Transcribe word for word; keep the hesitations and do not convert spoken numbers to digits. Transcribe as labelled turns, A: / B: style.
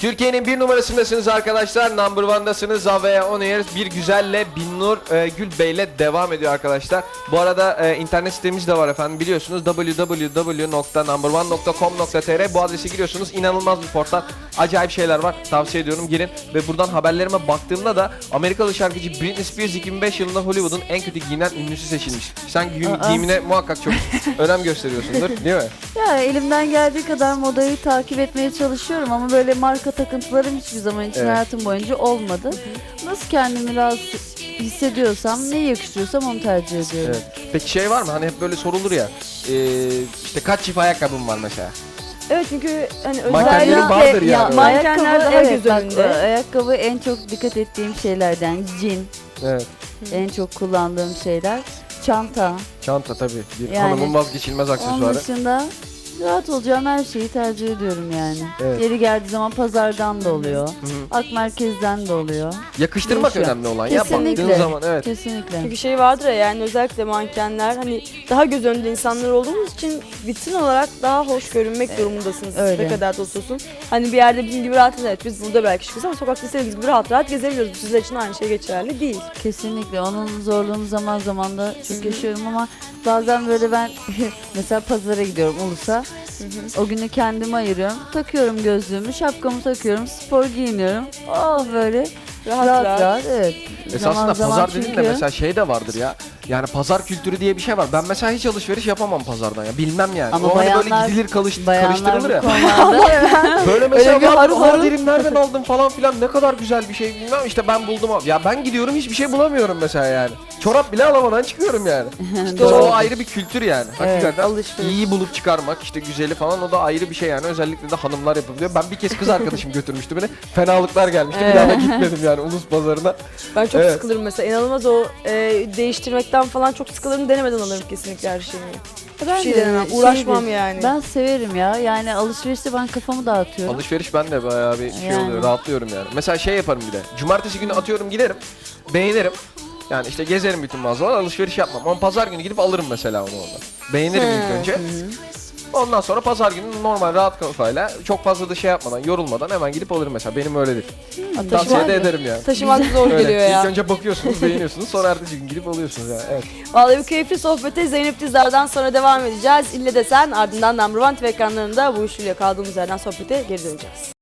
A: Türkiye'nin bir numarasındasınız arkadaşlar. Number one'dasınız. Avea On Air bir güzelle Binnur e, Gülbey'le devam ediyor arkadaşlar. Bu arada e, internet sitemiz de var efendim. Biliyorsunuz w w w nokta number one nokta com nokta t r bu adrese giriyorsunuz. İnanılmaz bir portal. Acayip şeyler var. Tavsiye ediyorum, girin. Ve buradan haberlerime baktığımda da Amerikalı şarkıcı Britney Spears iki bin beş yılında Hollywood'un en kötü giyinen ünlüsü seçilmiş. Sen gi- giyimine muhakkak çok önem gösteriyorsundur, değil mi?
B: Ya elimden geldiği kadar modayı takip etmeye çalışıyorum ama böyle marka takıntılarım hiçbir zaman için
A: Evet.
B: hayatım boyunca olmadı. Nasıl kendimi rahat hissediyorsam, ne yakışıyorsam onu tercih ediyorum.
A: Evet. Peki şey var mı? Hani hep böyle sorulur ya. E, işte kaç çift ayakkabım var mesela?
C: Evet, çünkü hani
A: Mankenlerin
C: özellikle
A: vardır yani.
C: mankenler
B: ayakkabı,
C: daha
B: evet,
C: göz
B: bak,
C: önünde.
B: ayakkabı en çok dikkat ettiğim şeylerden. Jean
A: Evet.
B: en çok kullandığım şeyler. Çanta.
A: Çanta tabii. Bir
B: Yani,
A: hanımın vazgeçilmez
B: Onun
A: aksesuarı.
B: dışında rahat olacağım her şeyi tercih ediyorum yani.
A: Evet.
B: Yeri geldiği zaman pazardan da oluyor.
A: Hı hı.
B: Ak merkezden de oluyor.
A: Yakıştırmak
B: Değişiyor.
A: önemli olan ya,
B: Kesinlikle.
A: baktığın zaman evet.
B: Kesinlikle.
C: Çünkü şey vardır ya, yani özellikle mankenler hani daha göz önünde insanlar olduğumuz için vitrin olarak daha hoş görünmek durumundasınız.
B: öyle.
C: Ne kadar da olsun. Hani bir yerde bizim gibi rahat, evet biz burada belki çıkıyoruz ama sokakta istediğimiz gibi rahat rahat gezebiliyoruz. Sizler için aynı şey geçerli değil.
B: Kesinlikle. Onun zorluğunu zaman zaman da çok yaşıyorum ama bazen böyle ben mesela pazara gidiyorum Ulus'a. O günü kendime ayırıyorum. Takıyorum gözlüğümü, şapkamı takıyorum, spor giyiniyorum. Oh böyle
C: Rahat
B: rahat
C: rahat.
B: rahat, evet.
A: Esasında
B: Zaman
A: pazar
B: zaman
A: dediğin de
B: çünkü-
A: mesela şey de vardır ya. Yani pazar kültürü diye bir şey var. Ben mesela hiç alışveriş yapamam pazardan ya. Bilmem yani.
B: Ama
A: o hani böyle
B: bayanlar-
A: gidilir kalış,
B: Bayanlar
A: karıştırılır
B: bu
A: ya.
B: konularda
A: Böyle mesela
C: bir
A: var,
C: harıl
A: aa
C: harıl.
A: derim nereden aldım falan filan, ne kadar güzel bir şey bilmem, işte ben buldum abi. Ya ben gidiyorum hiçbir şey bulamıyorum mesela yani. Çorap bile alamadan çıkıyorum yani. İşte
B: Doğru.
A: o ayrı bir kültür yani. Hakikaten
B: alışveriş.
A: iyi bulup çıkarmak, işte güzeli falan, o da ayrı bir şey yani. Özellikle de hanımlar yapabiliyor. Ben bir kez kız arkadaşım götürmüştü beni. Fenalıklar gelmişti. Bir daha da gitmedim yani Ulus pazarına.
C: Ben çok
A: Evet.
C: sıkılırım mesela. İnanılmaz o e, değiştirmekten falan çok sıkılırım. Denemeden alırım kesinlikle her şeyi.
B: Ben
C: Hiçbir şey
B: de
C: denemem.
B: şeydir,
C: Uğraşmam yani.
B: Ben severim ya. Yani alışverişte ben kafamı dağıtıyorum.
A: Alışveriş ben de bayağı bir şey
B: Yani.
A: oluyor, rahatlıyorum yani. Mesela şey yaparım bir de. Cumartesi günü atıyorum giderim. Beğenirim. Yani işte gezerim bütün mağazalar, alışveriş yapmam. Ama pazar günü gidip alırım mesela onu orada. Beğenirim ilk önce. Ondan sonra pazar günü normal rahat kafayla, çok fazla da şey yapmadan, yorulmadan hemen gidip alırım mesela. Benim öyledir. Tavsiye
C: Taşımak,
A: de ederim yani.
C: taşımak zor
A: Öyle.
C: geliyor ya.
A: İlk önce bakıyorsunuz, beğeniyorsunuz, sonra ertesi gün gidip alıyorsunuz yani. Evet.
C: Vallahi bu keyifli sohbete Zeynep Dizdar'dan sonra devam edeceğiz. İlle de sen, ardından Number One T V ekranlarında bu üçlüyle kaldığımız yerden sohbete geri döneceğiz.